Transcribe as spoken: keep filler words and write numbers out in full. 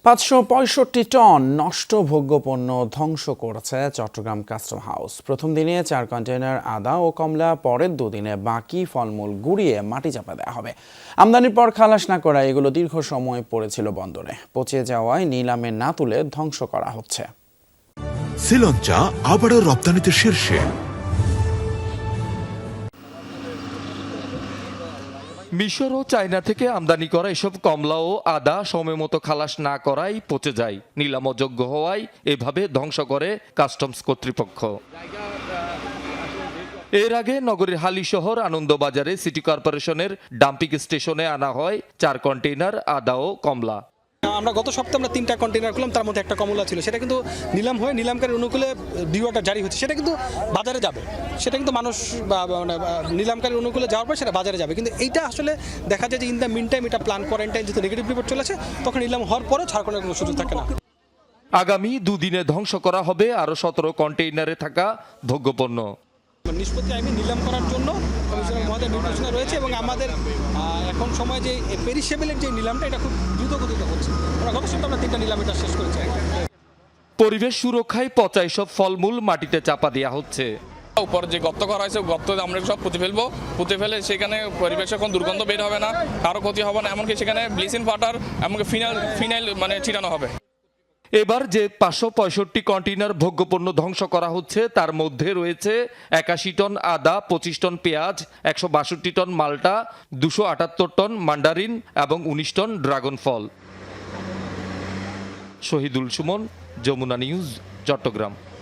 পাঁচশো পঁয়ষট্টি টন নষ্ট ভোগ্যপণ্য ধ্বংস করেছে চট্টগ্রাম কাস্টম হাউস। প্রথম দিনে চার কন্টেইনার আদা ও কমলা, পরের দুদিনে বাকি ফলমূল গুঁড়িয়ে মাটি চাপা দেওয়া হবে। আমদানির পর খালাস না করায় এগুলো দীর্ঘ সময় পড়েছিল বন্দরে, পচে যাওয়ায় নিলামে না তুলে ধ্বংস করা হচ্ছে। শ্রীলঙ্কা আবারও রপ্তানিতে শীর্ষে। মিশর ও চায়না থেকে আমদানি করা এসব কমলা ও আদা সময় মতো খালাস না করায় পচে যায়, নিলাম অযোগ্য হওয়ায় এভাবে ধ্বংস করে কাস্টমস কর্তৃপক্ষ। এর আগে নগরীর হালিশহর আনন্দবাজারে সিটি কর্পোরেশনের ডাম্পিং স্টেশনে আনা হয় চার কন্টেইনার আদা ও কমলা। আমরা গত সপ্তাহে আমরা তিনটা কন্টেইনার করলাম, তার মধ্যে একটা কমলা ছিল, সেটা কিন্তু নিলাম হয়ে নিলামকারীর অনুকূলে ডিওটা জারি হচ্ছে, সেটা কিন্তু বাজারে যাবে, সেটা কিন্তু মানুষ বা মানে নিলামকারীর অনুকূলে যাওয়ার পর সেটা বাজারে যাবে। কিন্তু এইটা আসলে দেখা যায় যে ইন দ্য মিন টাইম এটা প্ল্যান কোয়ারেন্টাইন যেহেতু নেগেটিভ রিপোর্ট চলেছে, তখন নিলাম হওয়ার পরে ছাড় করার কোনো সুযোগ থাকে না। আগামী দুদিনে ধ্বংস করা হবে আরও সতেরো কন্টেইনারে থাকা ভোগ্যপণ্য। নিষ্পত্তি আইনি নিলাম করার জন্য কমিশনার মহোদয় নির্দেশনা রয়েছে এবং আমাদের এখন সময় যে পেরিশেবলের যে নিলামটা এটা খুব দ্রুত গতিতে হচ্ছে। আমরা গত সপ্তাহে আমরা তিনটা নিলাম এটা শেষ করেছি। পরিবেশ সুরক্ষায় পচা এসব ফলমূল মাটিতে চাপা দেওয়া হচ্ছে। উপর যে গর্ত করা হয়েছে, গর্ত আমরা সব পুঁতে ফেলবো, পুঁতে ফেলে সেখানে পরিবেশে কোনো দুর্গন্ধ বের হবে না, কারো ক্ষতি হবে না, এমনকি সেখানে ব্লিচিং পাউডার এমনকি ফিনাইল ফিনাইল মানে ছিটানো হবে। এবার যে পাঁচশো পঁয়ষট্টি কন্টেইনার ভোগ্যপণ্য ধ্বংস করা হচ্ছে তার মধ্যে রয়েছে একাশি টন আদা, পঁচিশ টন পেঁয়াজ, একশো বাষট্টি টন মাল্টা, দুশো আটাত্তর টন মান্ডারিন এবং উনিশ টন ড্রাগন ফল। শহীদুল সুমন, যমুনা নিউজ, চট্টগ্রাম।